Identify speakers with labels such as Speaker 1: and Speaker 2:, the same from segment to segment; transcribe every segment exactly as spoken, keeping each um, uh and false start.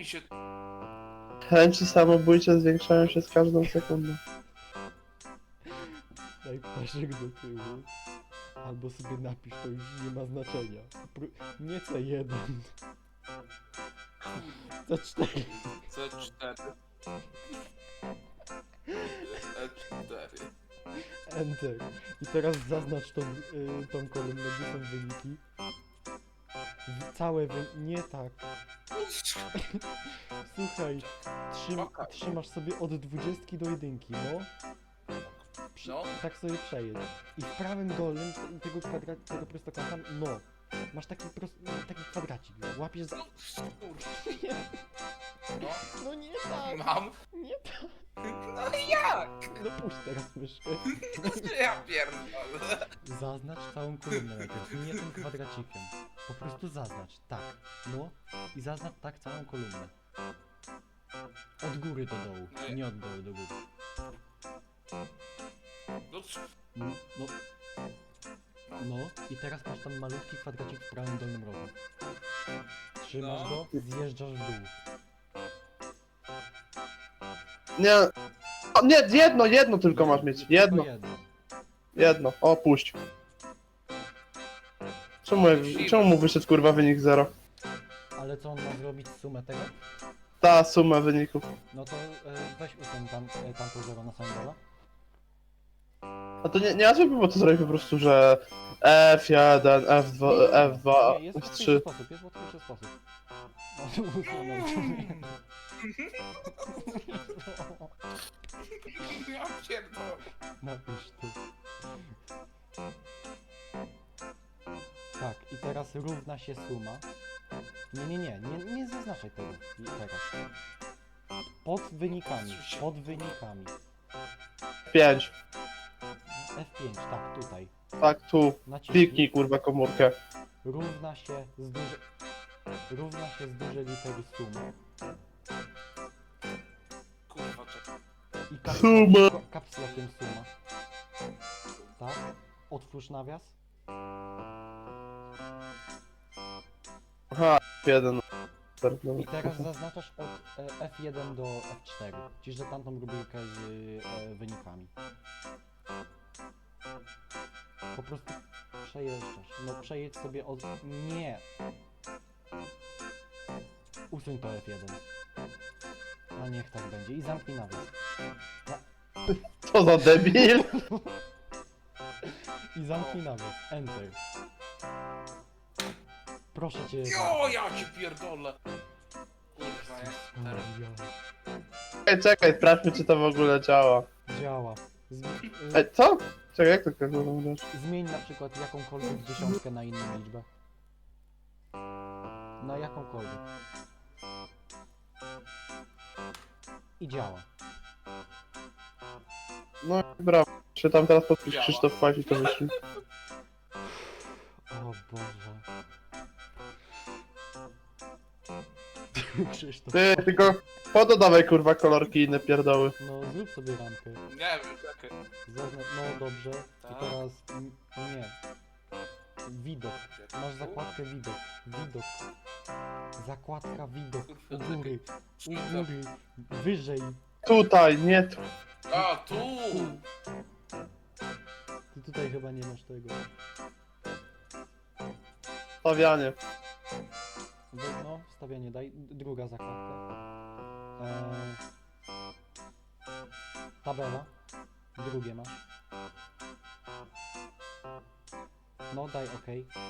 Speaker 1: mi się...
Speaker 2: Chęci samobójcze zwiększają się z każdą sekundą.
Speaker 3: Daj ptaszek do tyłu. Albo sobie napisz, to już nie ma znaczenia. Pró- nie C jeden. C cztery.
Speaker 1: C cztery. E cztery.
Speaker 3: Enter. I teraz zaznacz tą, y, tą kolumnę, gdzie są wyniki. W- Całe wy... Nie tak. Słuchaj, trzym,
Speaker 1: Okej.
Speaker 3: trzymasz sobie od dwudziestki do jedynki, no. Przy,
Speaker 1: No.
Speaker 3: Tak sobie przejedź. I w prawym dolnym te- tego kwadrat, tego prostokąta, no. Masz taki, prost, taki kwadracik, łapiesz za...
Speaker 1: No, kurwa.
Speaker 3: No,
Speaker 1: No,
Speaker 3: no nie tak,
Speaker 1: mam.
Speaker 3: nie tak.
Speaker 1: No jak?
Speaker 3: No puść teraz myszkę.
Speaker 1: Ja pierdolę.
Speaker 3: Zaznacz całą kolumnę najpierw, nie tym kwadracikiem. Po prostu zaznacz, tak, no. I zaznacz tak całą kolumnę. Od góry do dołu, nie od dołu do góry.
Speaker 1: No, c-
Speaker 3: No, no. No i teraz masz tam malutki kwadracik w prawym dolnym rogu. Trzymasz
Speaker 1: No.
Speaker 3: go, zjeżdżasz w dół.
Speaker 2: Nie. O, nie, jedno, jedno tylko masz mieć. Jedno,
Speaker 3: Tylko jedno.
Speaker 2: jedno. O, puść. Czemu, czemu mu wyszedł kurwa wynik zero?
Speaker 3: Ale co on ma zrobić sumę tego?
Speaker 2: Ta suma wyników.
Speaker 3: No to e, weź usuń tam, e, tamto zero na samym dole.
Speaker 2: A to nie, nie łatwiej by było to zrobić po prostu, że F jeden, F dwa, F dwa,
Speaker 3: Nie, jest
Speaker 2: F
Speaker 3: łatwiejszy
Speaker 2: trzy.
Speaker 3: sposób, jest łatwiejszy sposób. No, tu usunął.
Speaker 1: ja pierdolę.
Speaker 3: Napisz tu. Tak, i teraz równa się suma. Nie, nie, nie, nie, nie zaznaczaj tego. I teraz. Pod wynikami, pod wynikami.
Speaker 2: pięć.
Speaker 3: F pięć, tak, tutaj.
Speaker 2: Tak, tu.
Speaker 3: Naciśnij.
Speaker 2: Kliknij kurwa komórkę.
Speaker 3: Równa się z duże... Równa się z dużej litery suma.
Speaker 1: Kurwa, czekaj.
Speaker 3: I caps
Speaker 2: Suma.
Speaker 3: lock- caps lockiem suma. Tak? Otwórz nawias.
Speaker 2: Aha, F jeden.
Speaker 3: I teraz zaznaczasz od e, F jeden do F cztery. Czyli że tamtą rubrykę z e, wynikami. Po prostu przejeżdżasz. No przejedź sobie od... Nie! Usuń to F jeden. A niech tak będzie. I zamknij nawias.
Speaker 2: Co za debil?
Speaker 3: I zamknij nawias. Enter. Proszę cię.
Speaker 1: Jo, ja cię pierdolę. Kurwa, ja cztery.
Speaker 2: Czekaj, czekaj, sprawdźmy czy to w ogóle działa.
Speaker 3: Działa. Zmi
Speaker 2: Ej, co? Czekaj, jak to kurwa wyglądasz?
Speaker 3: zmień na przykład jakąkolwiek dziesiątkę na inną liczbę. Na jakąkolwiek. I działa.
Speaker 2: No brawo. Czy tam teraz podpisz
Speaker 1: Działa.
Speaker 2: Krzysztof Fajf i to wyślij.
Speaker 3: O Boże. Krzysztof.
Speaker 2: Ty, tylko pododawaj kurwa kolorki i inne pierdoły.
Speaker 3: No zrób sobie ramkę.
Speaker 1: Nie wiem, czekaj.
Speaker 3: Zaznacz, no dobrze. I
Speaker 1: Tak.
Speaker 3: teraz... m, nie. Widok. Masz zakładkę widok. Widok. Zakładka widok. U góry. U góry. Wyżej.
Speaker 2: Tutaj, nie tu.
Speaker 1: A, tu!
Speaker 3: Ty tutaj chyba nie masz tego.
Speaker 2: Stawianie.
Speaker 3: We- No, wstawianie daj. D- Druga zakładka. Eee, tabela. Drugie masz. No, daj OK.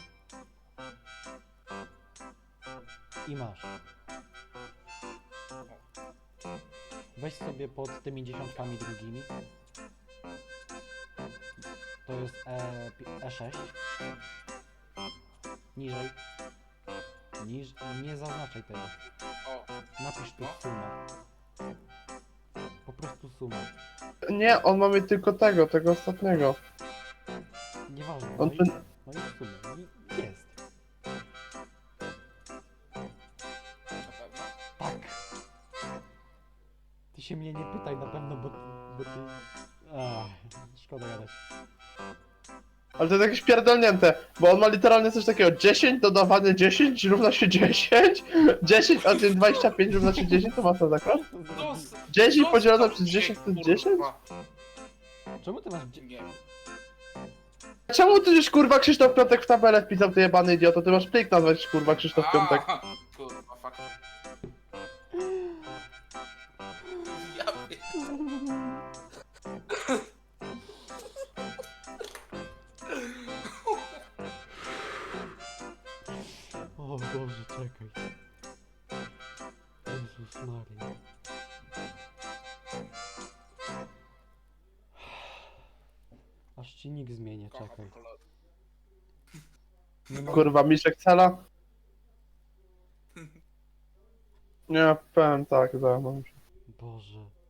Speaker 3: I masz. Weź sobie pod tymi dziesiątkami drugimi. To jest E, pi- E sześć. Niżej. Niż... Nie zaznaczaj tego.
Speaker 1: O,
Speaker 3: Napisz tu sumę. Po prostu sumę.
Speaker 2: Nie, on ma mieć tylko tego, tego ostatniego.
Speaker 3: Nieważne.
Speaker 2: On
Speaker 3: No i,
Speaker 2: ten...
Speaker 3: no i sumę. I jest.
Speaker 1: na pewno.
Speaker 3: Tak. Ty się mnie nie pytaj na pewno, bo, bo ty... Ach, szkoda gadać.
Speaker 2: Ale to jest jakieś pierdolnięte, bo on ma literalnie coś takiego, dziesięć dodawane dziesięć równa się dziesięć, dziesięć odjąć dwadzieścia pięć równa się dziesięć, to ma to tak?
Speaker 1: No, s-
Speaker 2: dziesięć
Speaker 1: no,
Speaker 2: podzielone
Speaker 1: stop
Speaker 2: przez
Speaker 1: się,
Speaker 2: dziesięć to jest
Speaker 1: kurwa.
Speaker 2: dziesięć?
Speaker 3: Czemu ty masz... dzie-
Speaker 1: Nie.
Speaker 2: Czemu ty już kurwa Krzysztof Piątek w tabelę wpisał, ty jebany idioto, ty masz plik nazwać kurwa Krzysztof Piątek.
Speaker 1: A, kurwa, fuck. Ja pier-
Speaker 3: O Boże, czekaj. Jezus Maria. Aż ci nick zmienię, czekaj. Nie ma...
Speaker 2: Kurwa, Miszek Cela? Nie, powiem tak, za, no.
Speaker 3: Boże.